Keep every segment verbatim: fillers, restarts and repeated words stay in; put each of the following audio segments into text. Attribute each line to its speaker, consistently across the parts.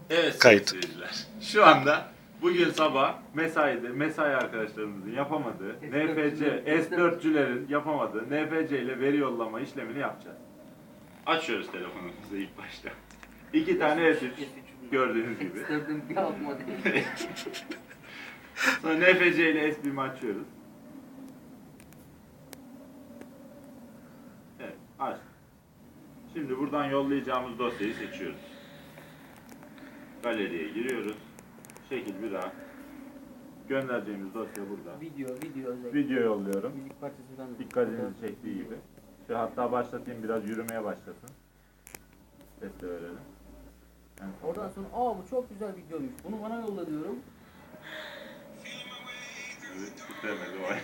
Speaker 1: Evet
Speaker 2: Kayıt.
Speaker 1: seyirciler. Şu anda bugün sabah mesaide mesai arkadaşlarımızın yapamadığı N F C S dörtçülerin yapamadığı N F C ile veri yollama işlemini yapacağız. Açıyoruz telefonumuzu ilk başta. İki tane S üç gördüğünüz gibi.
Speaker 3: bir alt modeli.
Speaker 1: Sonra N F C ile S bir'imi açıyoruz. Evet, aç. Şimdi buradan yollayacağımız dosyayı seçiyoruz. Galeriye giriyoruz. Şekil bir A. Göndereceğimiz dosya burada.
Speaker 3: Video, video özellikle.
Speaker 1: Video yolluyorum.
Speaker 3: Müzik parçasından da.
Speaker 1: Dikkatinizi çektiği gibi. Şu hatta başlatayım, biraz yürümeye başlasın. Ses de verelim. Yani
Speaker 3: Oradan sonra aa bu çok güzel videoymuş. Bunu bana yolla diyorum.
Speaker 1: Evet, bitiremedi o ay.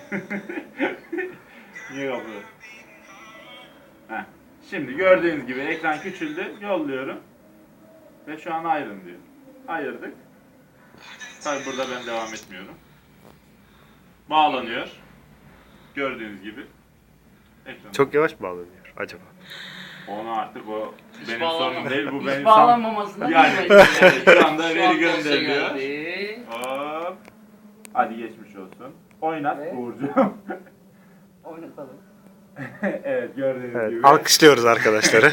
Speaker 1: Niye kapıyor? Heh. Şimdi gördüğünüz gibi ekran küçüldü. Yolluyorum. Ve şu an ayrın diyor. Ayırdık. Tabi burada ben devam etmiyorum. Bağlanıyor. Gördüğünüz gibi. Ekran.
Speaker 2: Çok yavaş bağlanıyor acaba.
Speaker 1: Onu artık o
Speaker 3: Hiç
Speaker 1: benim
Speaker 3: bağlanma-
Speaker 1: sorunum değil. Bu
Speaker 3: Hiç
Speaker 1: benim
Speaker 3: bağlanmamasından
Speaker 1: yani
Speaker 3: bilmiyorum.
Speaker 1: şu anda
Speaker 3: Şu
Speaker 1: veri
Speaker 3: an dosya
Speaker 1: gönderiliyor.
Speaker 3: geldi.
Speaker 1: Hop. Hadi geçmiş olsun. Oynat
Speaker 3: Evet.
Speaker 1: Uğurcuğum.
Speaker 3: Oynatalım.
Speaker 1: Evet gördüğünüz
Speaker 2: Evet,
Speaker 1: gibi.
Speaker 2: alkışlıyoruz arkadaşları.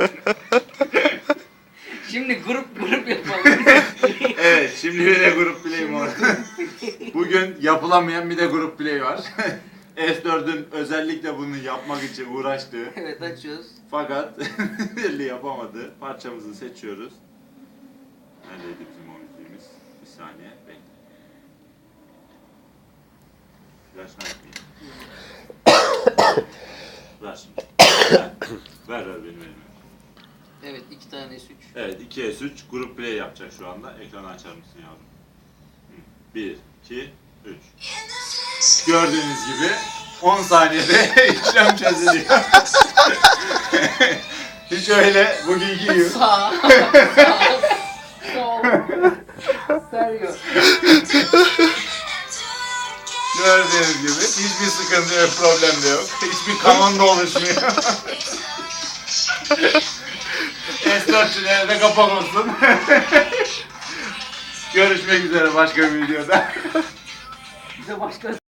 Speaker 3: Şimdi grup grup yapalım.
Speaker 1: Evet şimdi bir de grup play'im var. Bugün yapılamayan bir de grup play var. S dört'ün özellikle bunu yapmak için uğraştığı
Speaker 3: Evet açıyoruz.
Speaker 1: fakat birliği yapamadı. Parçamızı seçiyoruz. Neredeydi bizim o müziğimiz? Bir saniye bekle. Flash açmayayım. Ver şimdi. Ver ver ver benim elime.
Speaker 3: Evet iki tane S üç.
Speaker 1: Evet iki S üç grup play yapacak şu anda. Ekranı açar mısın yavrum? bir, iki, üç. Gördüğünüz gibi on saniyede işlem çözülüyor. Hiç öyle bugünkü gibi.
Speaker 3: Sağ. Sol. Serio.
Speaker 1: Gördüğünüz gibi hiçbir sıkıntı yok, problem de yok. Hiçbir kanon da oluşmuyor. S dörtçülere de kapak olsun. Görüşmek üzere başka bir videoda.
Speaker 3: Bize başka